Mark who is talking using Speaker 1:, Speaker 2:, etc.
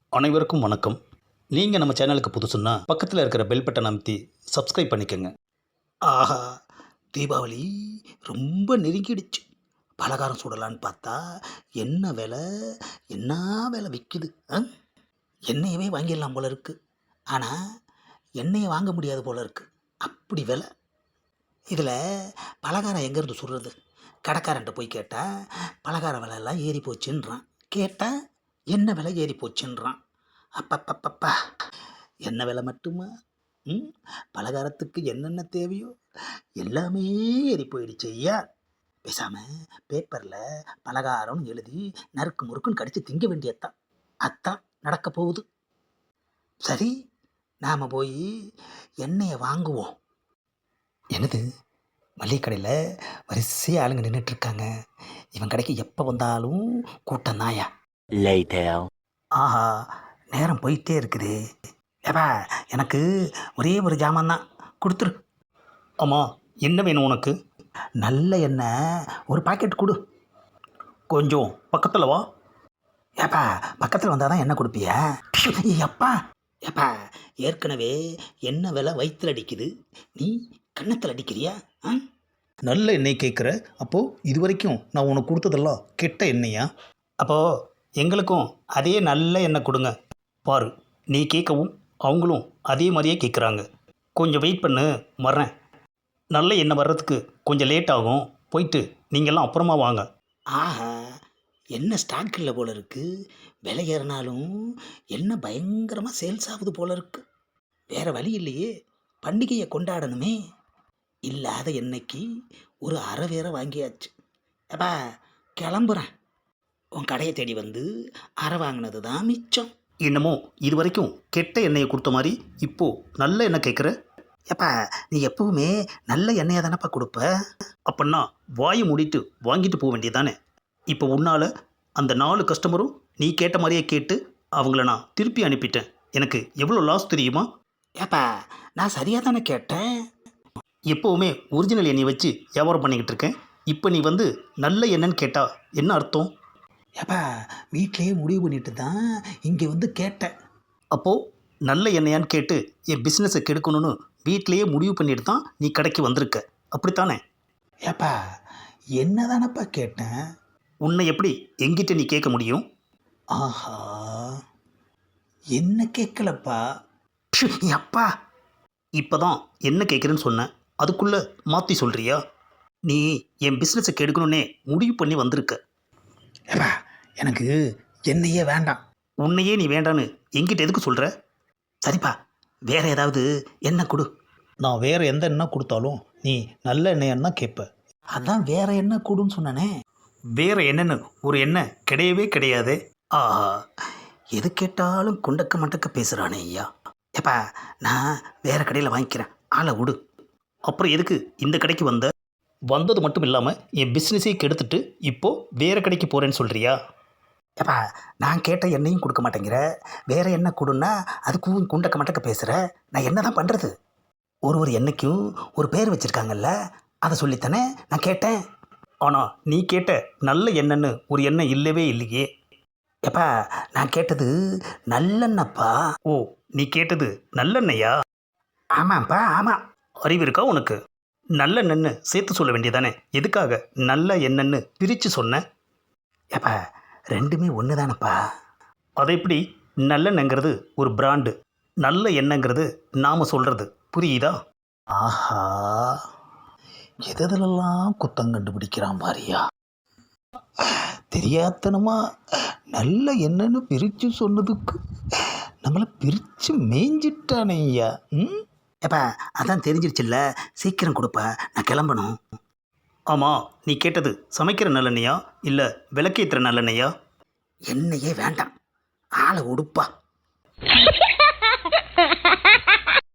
Speaker 1: அனைவருக்கும் வணக்கம். நீங்கள் நம்ம சேனலுக்கு புதுசுன்னா பக்கத்தில் இருக்கிற பெல் பட்டனை அமைத்தி சப்ஸ்கிரைப் பண்ணிக்கோங்க. ஆஹா, தீபாவளி ரொம்ப நெருங்கிடுச்சு. பலகாரம் சுடலான்னு பார்த்தா என்ன விலை, என்ன விலை விற்குது. எண்ணெயவே வாங்கிடலாம் போல இருக்கு. ஆனால் எண்ணெயை வாங்க முடியாது போல இருக்கு, அப்படி விலை. இதில் பலகாரம் எங்கேருந்து சுடுறது? கடைக்காரன்ட்ட போய் கேட்டால் பலகார விலையெல்லாம் ஏறி போச்சுன்றான். கேட்டால் என்ன விலை ஏறி போச்சுன்றான். அப்பப்பப்பப்பா, என்ன விலை மட்டுமா? ம் பலகாரத்துக்கு என்னென்ன தேவையோ எல்லாமே ஏறி போயிடுச்சு ஐயா. பேசாமல் பேப்பரில் பலகாரம்னு எழுதி நறுக்கு முறுக்குன்னு கடித்து திங்க வேண்டியதுதான். அதான் நடக்க போகுது. சரி, நாம் போய் எண்ணெயை வாங்குவோம். என்னது, மளிகை கடையில் வரிசையாக ஆளுங்க நின்றுட்டுருக்காங்க. இவன் கடைக்கு எப்போ வந்தாலும் கூட்டம் தாயா. ஆஹா, நேரம் போயிட்டே இருக்குது. ஏப்பா, எனக்கு ஒரே ஒரு ஜாமான் தான், கொடுத்துரு. ஆமாம், என்ன வேணும் உனக்கு? நல்ல எண்ணெய் ஒரு பாக்கெட் கொடு. கொஞ்சம் பக்கத்தில் வா. ஏப்பா, பக்கத்தில் வந்தால் தான் எண்ணெய் கொடுப்பியா? எப்பா ஏப்பா, ஏற்கனவே எண்ணெய் விலை வயிற்றில் அடிக்குது, நீ கன்னத்தில் அடிக்கிறியா? நல்ல எண்ணெய் கேட்குற. அப்போது இது வரைக்கும் நான் உனக்கு கொடுத்ததெல்லாம் கெட்ட எண்ணெயா? அப்போது எங்களுக்கும் அதே நல்ல எண்ணெய் கொடுங்க. பாரு, நீ கேட்கவும் அவங்களும் அதே மாதிரியே கேட்குறாங்க. கொஞ்சம் வெயிட் பண்ணு, வர்றேன். நல்ல எண்ணெய் வர்றதுக்கு கொஞ்சம் லேட் ஆகும். போயிட்டு நீங்கள்லாம் அப்புறமா வாங்க. ஆஹா, என்ன ஸ்டாக் இல்லை போல இருக்கு. விலை ஏறினாலும் என்ன பயங்கரமாக சேல்ஸ் ஆகுது போல இருக்கு. வேறு வழி இல்லையே, பண்டிகையை கொண்டாடணுமே. இல்லாத எண்ணெய்க்கு ஒரு அரை வேற வாங்கியாச்சு. அப்பா, கிளம்புறேன். உன் கடையை தேடி வந்து அரை வாங்கினது தான் மிச்சம். என்னமோ இது வரைக்கும் கெட்ட எண்ணெயை கொடுத்த மாதிரி இப்போது நல்ல எண்ணெய் கேட்குற. ஏப்பா, நீ எப்பவுமே நல்ல எண்ணெயை தானப்பா கொடுப்ப. அப்படின்னா வாயை மூடிட்டு வாங்கிட்டு போக வேண்டியதானே. இப்போ உன்னால் அந்த 4 கஸ்டமரும் நீ கேட்ட மாதிரியே கேட்டு அவங்கள நான் திருப்பி அனுப்பிட்டேன். எனக்கு எவ்வளோ லாஸ் தெரியுமா? ஏப்பா, நான் சரியாக தானே கேட்டேன். எப்போவுமே ஒரிஜினல் எண்ணெயை வச்சு வியாபாரம் பண்ணிக்கிட்டு இருக்கேன். இப்போ நீ வந்து நல்ல எண்ணெய்ன்னு கேட்டால் என்ன அர்த்தம்? ஏப்பா, வீட்டிலையே முடிவு பண்ணிட்டு தான் இங்கே வந்து கேட்டேன். அப்போது நல்ல எண்ணெயான்னு கேட்டு என் பிஸ்னஸை கெடுக்கணும்னு வீட்டிலையே முடிவு பண்ணிட்டு தான் நீ கடைக்கு வந்திருக்க, அப்படித்தானே? ஏப்பா, என்ன தானப்பா கேட்டேன். உன்னை எப்படி எங்கிட்ட நீ கேட்க முடியும்? ஆஹா, என்ன கேட்கலப்பா. அப்பா, இப்போ தான் என்ன கேட்குறேன்னு சொன்னேன், அதுக்குள்ளே மாற்றி சொல்கிறியா? நீ என் பிஸ்னஸை கெடுக்கணுன்னே முடிவு பண்ணி வந்திருக்க. ஏப்பா, எனக்கு எண்ணெயே வேண்டாம். உன்னையே நீ வேண்டான்னு எங்கிட்ட எதுக்கு சொல்கிற? சரிப்பா, வேறு ஏதாவது எண்ணெய் கொடு. நான் வேறு எந்த எண்ணெய் கொடுத்தாலும் நீ நல்ல எண்ணெயான்னு தான் கேட்ப. அதான் வேறு எண்ணெய் கொடுன்னு சொன்னானே. வேறு எண்ணெய்னு ஒரு எண்ணெய் கிடையவே கிடையாது. ஆஹா, எது கேட்டாலும் குண்டக்க மண்டக்க பேசுகிறானே ஐயா. ஏப்பா, நான் வேறு கடையில் வாங்கிக்கிறேன், ஆளை விடு. அப்புறம் எதுக்கு இந்த கடைக்கு வந்தது மட்டும் இல்லாமல் என் பிஸ்னஸே கெடுத்துட்டு இப்போது வேறு கடைக்கு போகிறேன்னு சொல்கிறியா? ஏப்பா, நான் கேட்ட எண்ணெயும் கொடுக்க மாட்டேங்கிற, வேறு எண்ணெய் கொடுன்னா அதுக்கும் குண்டக்க மண்டக்க பேசுகிற. நான் என்ன தான் பண்ணுறது? ஒரு எண்ணெய்க்கும் ஒரு பேர் வச்சுருக்காங்கல்ல, அதை சொல்லித்தானே நான் கேட்டேன். ஆனால் நீ கேட்ட நல்ல எண்ணெய்னு ஒரு எண்ணெய் இல்லவே இல்லையே. ஏப்பா, நான் கேட்டது நல்லெண்ணப்பா. ஓ, நீ கேட்டது நல்லெண்ணெயா? ஆமாம்ப்பா, ஆமாம். அறிவு இருக்கா உனக்கு? நல்லெண்ணெய்னு சேர்த்து சொல்ல வேண்டியதானே, எதுக்காக நல்ல எண்ணெய்னு பிரித்து சொன்னேன்? ஏப்பா, ரெண்டுமே ஒன்று தானப்பா. அதை எப்படி? நல்லெண்ணெய்ங்கிறது ஒரு பிராண்டு, நல்ல எண்ணெய்ங்கிறது நாம் சொல்கிறது, புரியுதா? ஆஹா, எதெல்லாம் குத்தம் கண்டுபிடிக்கிறான் பாரியா. தெரியாதனமா நல்ல எண்ணெய்னு பிரித்து சொன்னதுக்கு நம்மளை பிரித்து மேய்ஞ்சிட்டானே ஐயா. ஏப்பா, அதான் தெரிஞ்சிருச்சுல்ல, சீக்கிரம் கொடுப்பா, நான் கிளம்பணும். ஆமாம், நீ கேட்டது சமைக்கிற நல்லெண்ணெயா இல்லை விளக்கேற்றுற நல்லெண்ணெயா? எண்ணெயே வேண்டாம், ஆளை உடுப்பா.